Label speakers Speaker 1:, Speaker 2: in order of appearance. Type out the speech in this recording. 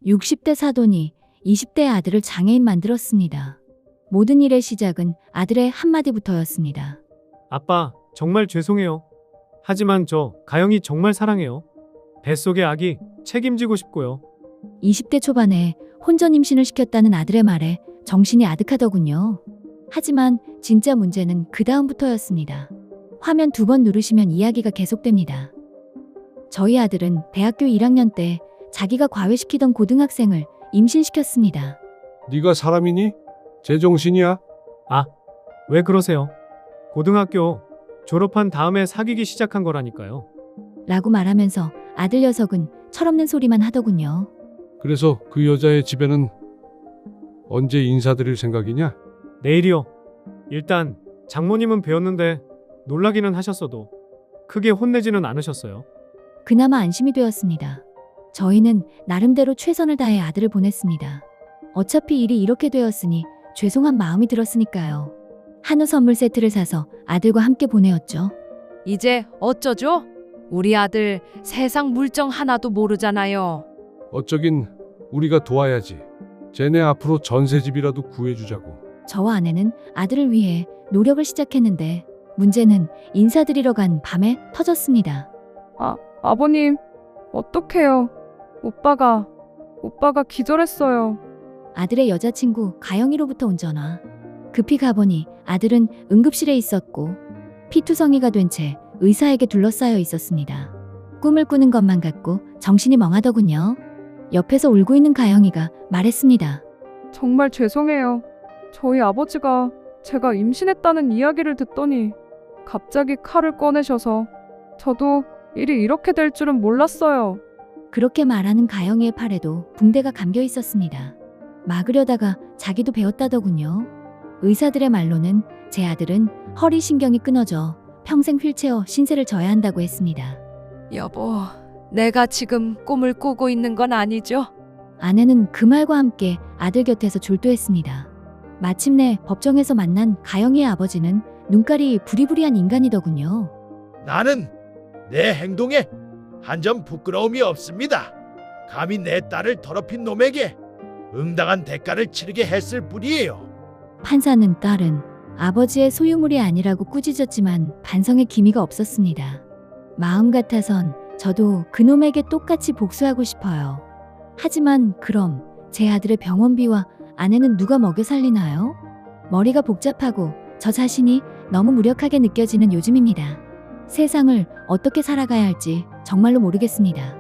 Speaker 1: 60대 사돈이 20대 아들을 장애인 만들었습니다. 모든 일의 시작은 아들의 한마디부터였습니다.
Speaker 2: 아빠, 정말 죄송해요. 하지만 저 가영이 정말 사랑해요. 뱃속의 아기 책임지고 싶고요.
Speaker 1: 20대 초반에 혼전 임신을 시켰다는 아들의 말에 정신이 아득하더군요. 하지만 진짜 문제는 그 다음부터였습니다. 화면 2번 누르시면 이야기가 계속됩니다. 저희 아들은 대학교 1학년 때 자기가 과외시키던 고등학생을 임신시켰습니다.
Speaker 3: 네가 사람이니? 제정신이야?
Speaker 2: 왜 그러세요? 고등학교 졸업한 다음에 사귀기 시작한 거라니까요.
Speaker 1: 라고 말하면서 아들 녀석은 철없는 소리만 하더군요.
Speaker 3: 그래서 그 여자의 집에는 언제 인사드릴 생각이냐?
Speaker 2: 내일이요. 일단 장모님은 배웠는데 놀라기는 하셨어도 크게 혼내지는 않으셨어요.
Speaker 1: 그나마 안심이 되었습니다. 저희는 나름대로 최선을 다해 아들을 보냈습니다. 어차피 일이 이렇게 되었으니 죄송한 마음이 들었으니까요. 한우 선물 세트를 사서 아들과 함께 보내었죠.
Speaker 4: 이제 어쩌죠? 우리 아들 세상 물정 하나도 모르잖아요.
Speaker 3: 어쩌긴 우리가 도와야지. 쟤네 앞으로 전세집이라도 구해주자고.
Speaker 1: 저와 아내는 아들을 위해 노력을 시작했는데 문제는 인사드리러 간 밤에 터졌습니다.
Speaker 5: 아버님, 어떡해요. 오빠가 기절했어요.
Speaker 1: 아들의 여자친구 가영이로부터 온 전화. 급히 가보니 아들은 응급실에 있었고 피투성이가 된 채 의사에게 둘러싸여 있었습니다. 꿈을 꾸는 것만 같고 정신이 멍하더군요. 옆에서 울고 있는 가영이가 말했습니다.
Speaker 5: 정말 죄송해요. 저희 아버지가 제가 임신했다는 이야기를 듣더니 갑자기 칼을 꺼내셔서 저도 일이 이렇게 될 줄은 몰랐어요.
Speaker 1: 그렇게 말하는 가영이의 팔에도 붕대가 감겨 있었습니다. 막으려다가 자기도 베었다더군요. 의사들의 말로는 제 아들은 허리 신경이 끊어져 평생 휠체어 신세를 져야 한다고 했습니다.
Speaker 4: 여보, 내가 지금 꿈을 꾸고 있는 건 아니죠?
Speaker 1: 아내는 그 말과 함께 아들 곁에서 졸도했습니다. 마침내 법정에서 만난 가영이의 아버지는 눈깔이 부리부리한 인간이더군요.
Speaker 6: 나는 내 행동에 한 점 부끄러움이 없습니다. 감히 내 딸을 더럽힌 놈에게 응당한 대가를 치르게 했을 뿐이에요.
Speaker 1: 판사는 딸은 아버지의 소유물이 아니라고 꾸짖었지만 반성의 기미가 없었습니다. 마음 같아선 저도 그놈에게 똑같이 복수하고 싶어요. 하지만 그럼 제 아들의 병원비와 아내는 누가 먹여 살리나요? 머리가 복잡하고 저 자신이 너무 무력하게 느껴지는 요즘입니다. 세상을 어떻게 살아가야 할지 정말로 모르겠습니다.